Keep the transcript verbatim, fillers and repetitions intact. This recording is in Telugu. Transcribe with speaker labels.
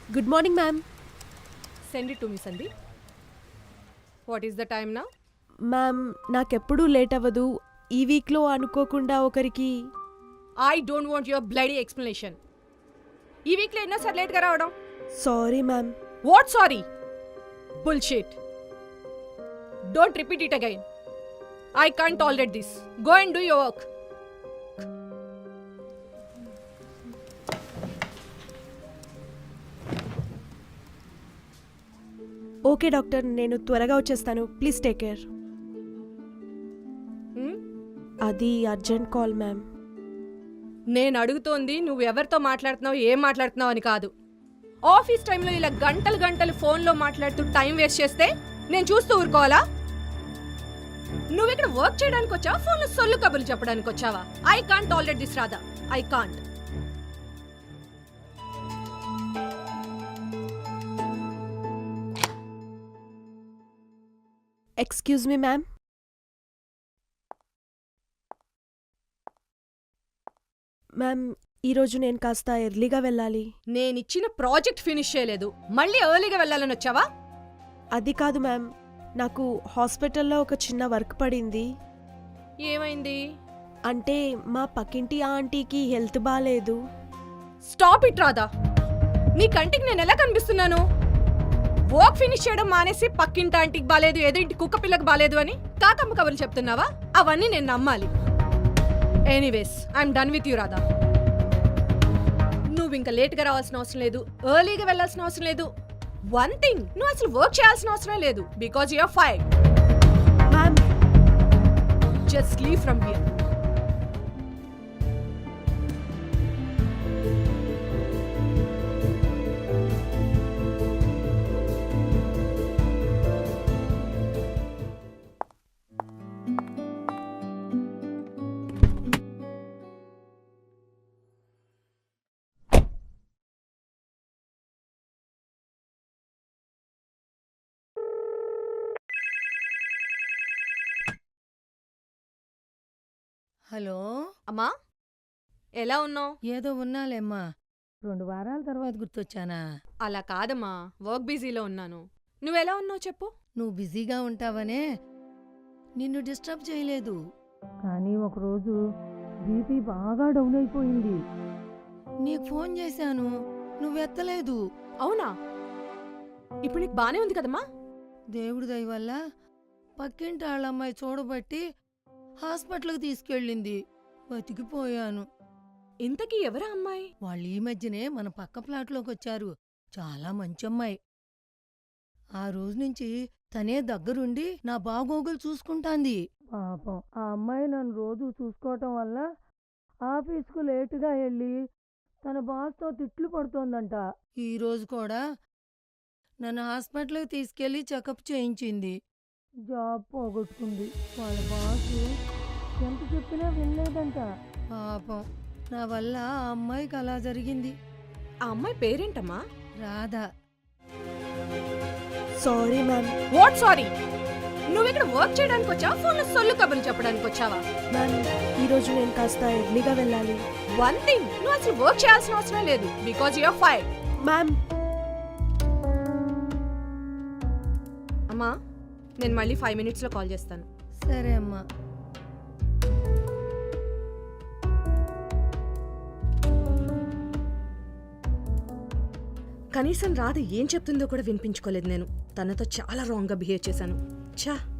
Speaker 1: Good morning ma'am.
Speaker 2: Send it to me, Sandeep. What is the time now?
Speaker 1: Ma'am నాకెప్పుడూ లేట్ అవ్వదు. ఈ వీక్లో అనుకోకుండా ఒకరికి
Speaker 2: I don't want your bloody explanation. ఈ వీక్లో ఎన్నోసార్లు లేట్గా రావడం?
Speaker 1: Sorry ma'am.
Speaker 2: What sorry? Bullshit. Don't repeat it again. I can't tolerate this. Go and do your work.
Speaker 1: Okay doctor, నేను త్వరగా వచ్చేస్తాను. Please take care.
Speaker 2: Hmm?
Speaker 1: అది అర్జెంట్ కాల్ మ్యామ్.
Speaker 2: నేను అడుగుతోంది నువ్వు ఎవరితో మాట్లాడుతున్నావు, ఏం మాట్లాడుతున్నావు అని కాదు. ఆఫీస్ టైంలో ఇలా గంటలు గంటలు ఫోన్లో మాట్లాడుతూ టైం వేస్ట్ చేస్తే నేను చూస్తూ ఊరుకోవాలా? నువ్వు ఇక్కడ వర్క్ చేయడానికి వచ్చావా, ఫోన్లో సొల్లు కబుర్లు చెప్పడానికి వచ్చావా? I can't tolerate this Radha. I can't.
Speaker 1: Excuse me ma'am. Ma'am ఈరోజు నేను కాస్త ఎర్లీగా వెళ్ళాలి.
Speaker 2: నేనిచ్చిన ప్రాజెక్ట్ ఫినిష్ చేయలేదు, మళ్ళీ ఎర్లీగా వెళ్ళాలని వచ్చావా?
Speaker 1: అది కాదు మ్యామ్, నాకు హాస్పిటల్లో ఒక చిన్న వర్క్ పడింది.
Speaker 2: ఏమైంది?
Speaker 1: అంటే మా పక్కింటి ఆంటీకి హెల్త్ బాగాలేదు.
Speaker 2: Stop it Radha. నీ కంటికి నేను ఎలా కనిపిస్తున్నాను? వర్క్ ఫినిష్ చేయడం మానేసి పక్కింటి ఆంటీకి బాలేదు, ఏదో ఇంటి కుక్క పిల్లకి బాలేదు అని కాకమ్మ కబుర్లు చెప్తున్నావా? అవన్నీ నేను నమ్మాలి. Anyways, I'm done with you Radha. నువ్వు ఇంకా లేట్గా రావాల్సిన అవసరం లేదు, ఎర్లీగా వెళ్ళాల్సిన అవసరం లేదు. వన్ థింగ్, నువ్వు అసలు వర్క్ చేయాల్సిన అవసరం లేదు, because you are fired.
Speaker 1: Ma'am
Speaker 2: just leave from here.
Speaker 3: Hello
Speaker 2: అమ్మా, ఎలా ఉన్నావు?
Speaker 3: ఏదో ఉన్నాలేమ్మా, రెండు వారాల తర్వాత గుర్తొచ్చానా?
Speaker 2: అలా కాదమ్మా, వర్క్ బిజీలో ఉన్నాను. నువ్వెలా ఉన్నావు చెప్పు.
Speaker 3: నువ్వు బిజీగా ఉంటావనే నిన్ను డిస్టర్బ్ చేయలేదు, కానీ ఒకరోజు బీపీ బాగా డౌన్ అయిపోయింది. నీకు ఫోన్ చేశాను, నువ్వెత్తలేదు.
Speaker 2: అవునా? ఇప్పుడు నీకు బానే ఉంది కదమ్మా?
Speaker 3: దేవుడి దయ వల్ల పక్కింటి వాళ్ళమ్మాయి చూడబట్టి హాస్పిటల్కి తీసుకెళ్ళింది, బతికిపోయాను.
Speaker 2: ఇంతకీ ఎవరా అమ్మాయి?
Speaker 3: వాళ్ళు ఈ మధ్యనే మన పక్క ప్లాట్లోకి వచ్చారు, చాలా మంచి అమ్మాయి. ఆ రోజు నుంచి తనే దగ్గరుండి నా బాగోగులు చూసుకుంటాంది. పాపం ఆ అమ్మాయి నన్ను రోజు చూసుకోవటం వల్ల ఆఫీస్కు లేటుగా వెళ్ళి తన బాస్తో తిట్లు పడుతోందంట. ఈరోజు కూడా నన్ను హాస్పిటల్కి తీసుకెళ్లి చెకప్ చేయించింది. జాబ్ పోగొట్టుకుంది. వాళ్ళ బాసు ఎంత చెప్పినా వినలేదంట. పాపం నా వల్ల ఆ అమ్మాయికి అలా జరిగింది.
Speaker 2: ఆ అమ్మాయి పేరేంటమ్మా?
Speaker 3: Radha.
Speaker 1: Sorry ma'am.
Speaker 2: What sorry? నువ్వు ఇక్కడ వర్క్ చేయడానికి వచ్చావా, ఫోన్లో సొల్లు కబుర్లు చెప్పడానికి వచ్చావా?
Speaker 1: మ్యామ్ ఈరోజు నేను కాస్త ఎర్లీగా వెళ్ళాలి.
Speaker 2: వన్ థింగ్, నువ్వు అసలు వర్క్ చేయాల్సిన అవసరం లేదు, because you are fired.
Speaker 1: Ma'am
Speaker 2: అమ్మా, నేను మళ్ళీ ఫైవ్ మినిట్స్లో కాల్ చేస్తాను.
Speaker 3: సరే అమ్మా.
Speaker 2: కనీసం రాధ ఏం చెప్తుందో కూడా వినిపించుకోలేదు నేను. తనతో చాలా రాంగ్గా బిహేవ్ చేశాను. ఛా.